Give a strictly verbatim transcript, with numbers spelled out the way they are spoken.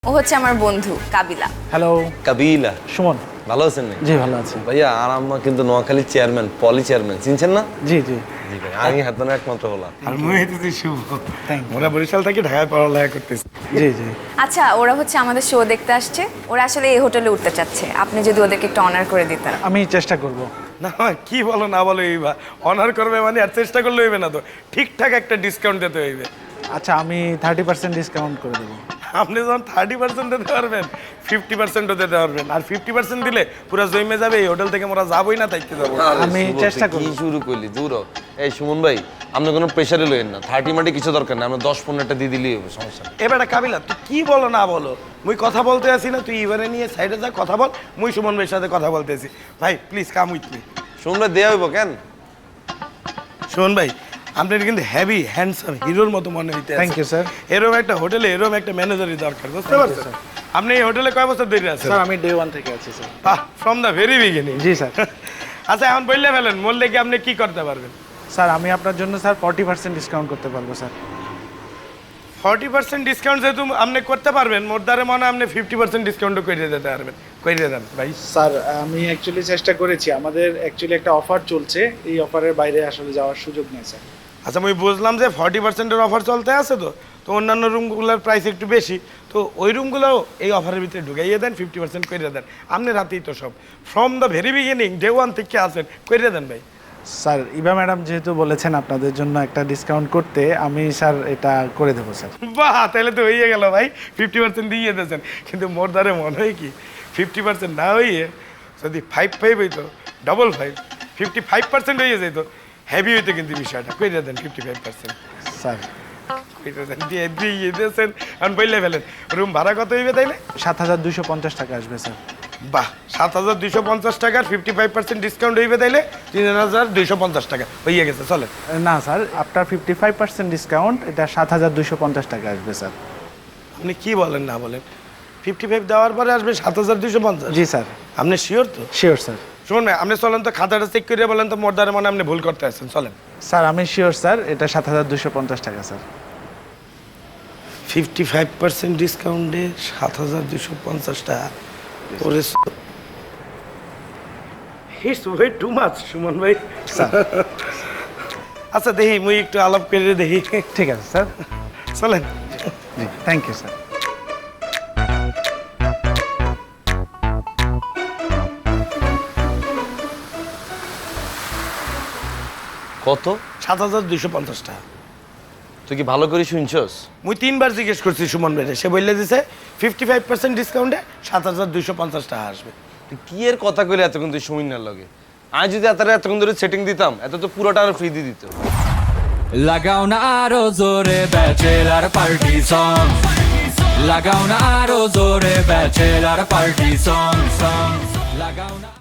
ও হচ্ছে আমার বন্ধু কাবিলা। হ্যালো কাবিলা, সুমন। ভালো আছেন নাকি? জি ভালো আছি ভাইয়া আর আম্মা কিন্তু নোয়াখালীর চেয়ারম্যান, পলি চেয়ারম্যান, চিনছেন না? জি জি জি ভাই, আমি হাতদানের একমাত্র হলাম। আর মই হইতেছি শুভ। Thank you. ওরা বরিশাল থেকে ঢাকায় পড়ালেখা করতেছে। জি জি আচ্ছা, ওরা হচ্ছে আমাদের শো দেখতে আসছে। ওরা আসলে এই হোটেলে উঠতে চাচ্ছে, আপনি যদি ওদেরকে একটু অনার করে দিতেন। আমি চেষ্টা করব। না কি বলো না বলো এইবা অনার করবে মানে আর চেষ্টা করলে হইবে না তো, ঠিকঠাক একটা ডিসকাউন্ট দিতে হইবে। আচ্ছা আমি থার্টি পার্সেন্ট ডিসকাউন্ট করে দেবো। আপনি যখন থার্টি পার্সেন্ট দিতে পারবেন, ফিফটি পার্সেন্টও দিতে পারবেন। আর ফিফটি পার্সেন্ট দিলে পুরো জমে যাবে, এই হোটেল থেকে আমরা যাবোই না, তাইতে যাবো। আমি শুভ, চেষ্টা তুই কি করব। শুরু করলি দূর হ। এই সুমন ভাই, আপনি কোনো প্রেশারে লইেন না, থার্টি মাটি কিছু দরকার না, আমরা দশ পনেরোটা দিয়ে দিলেই হবে, সমস্যা নেই। এবারে কাবিলা তুই কি বলো না বলো, মুই কথা বলতে আছি না, তুই এবারে নিয়ে সাইডে যা কথা বল, মুই সুমন ভাইয়ের সাথে কথা বলতেছি। ভাই please come with me. Suman ভাই দেয়া হইব কেন? সুমন ভাই আপনার কিন্তু হেভি হ্যান্ডসাম হিরোর মতো মনে হইতে Thank you, sir. এরকম একটা হোটেলে এরকম একটা ম্যানেজারই দরকার, বুঝতে পারছেন? আপনি এই হোটেলে কয় বছর ধরে আছেন? স্যার আমি ডে ওয়ান থেকে আছি স্যার। বাহ, ফ্রম দ্য ভেরি বিগিনিং। জি স্যার। আচ্ছা এখন বললে ফেলেন, বললে কি আপনি কি করতে পারবেন? স্যার আমি আপনার জন্য স্যার ফর্টি পার্সেন্ট ডিসকাউন্ট করতে পারবো স্যার। ফর্টি পার্সেন্ট ডিসকাউন্ট যেহেতু আপনি করতে পারবেন, মোট দ্বারে মনে হয় আপনি ফিফটি পার্সেন্ট ডিসকাউন্টও করে দিতে পারবেন। করে দেন ভাই। স্যার আমি অ্যাকচুয়ালি চেষ্টা করেছি, আমাদের অ্যাকচুয়ালি একটা অফার চলছে, এই অফারের বাইরে আসলে যাওয়ার সুযোগ নেই স্যার। আচ্ছা আমি বুঝলাম যে ফর্টি পার্সেন্টের অফার চলতে আছে, তো তো অন্যান্য রুমগুলোর প্রাইস একটু বেশি, তো ওই রুমগুলোও এই অফারের ভিতরে ঢুকাইয়ে দেন, ফিফটি পার্সেন্ট করে দেন। আপনি রাতেই তো সব from the very beginning day one থেকে আছেন, করে দেন ভাই। স্যার ইভা ম্যাডাম যেহেতু বলেছেন আপনাদের জন্য একটা ডিসকাউন্ট করতে, আমি স্যার এটা করে দেবো স্যার। বাহ, তাহলে তো হয়ে গেল ভাই, ফিফটি পার্সেন্ট দিয়ে দিয়েছেন। কিন্তু মোর দ্বারে মনে হয় কি, ফিফটি পার্সেন্ট না হইয়ে যদি ফাইভ ফাইভ হইতো, double five, fifty five percent হয়ে যেত, হেভি হইতো কিন্তু বিষয়টা। করে দেন ফিফটি ফাইভ পার্সেন্ট স্যার করে দেন, দিয়ে দিয়ে দিয়েছেন। এখন বললে ফেলেন রুম ভাড়া কত হইবে তাইলে? সাত হাজার দুইশো পঞ্চাশ টাকা আসবে স্যার। বাহ, সাত হাজার দুইশো পঞ্চাশ টাকার ফিফটি ফাইভ পার্সেন্ট ডিসকাউন্ট হইবে তাইলে তিন হাজার দুইশো পঞ্চাশ টাকা হয়ে গেছে। চলে না স্যার, আপনার ফিফটি ফাইভ পার্সেন্ট ডিসকাউন্ট, এটা সাত হাজার দুইশো পঞ্চাশ টাকা আসবে স্যার। আপনি কি বলেন না বলেন, ফিফটি ফাইভ দেওয়ার পরে আসবে সাত হাজার দুইশো পঞ্চাশ? জি স্যার। আপনি শিওর তো? Sure sir. শুনুন ভাই, আপনি চলেন তো খাতাটা চেক করে বলেন তো, মোট দ্বারা মানে আপনি ভুল করতে আসছেন। চলেন। স্যার আমি শিওর স্যার, এটা সাত হাজার দুশো পঞ্চাশ টাকা স্যার। ফিফটি ফাইভ পার্সেন্ট ডিসকাউন্টে সাত হাজার দুশো পঞ্চাশ টাকা, ওরে it's way too much Suman ভাই। স্যার আচ্ছা দেখি মুই একটু আলাপ করে দেখি। ঠিক আছে স্যার। চলেন। জি থ্যাংক ইউ স্যার। কত? সাত হাজার দুইশো পঞ্চাশ টাকা। তুই কি ভালো করে শুনছস? মুই তিনবার জিজ্ঞেস করছি সুমন ভাই, সে বললে দিছে ফিফটি ফাইভ পার্সেন্ট ডিসকাউন্টে সাত হাজার দুইশো পঞ্চাশ টাকা আসবে। তুই কি এর কথা কইলে এতক্ষণ তুই সময় না লাগে? আমি যদি এত এতক্ষণ ধরে সেটিং দিতাম, এত তো পুরোটা আর ফ্রি দিয়ে দিত। লাগাও না আরো জোরে ব্যাচেলার পার্টি সং, লাগাও না আরো জোরে ব্যাচেলার পার্টি সং সং, লাগাও না।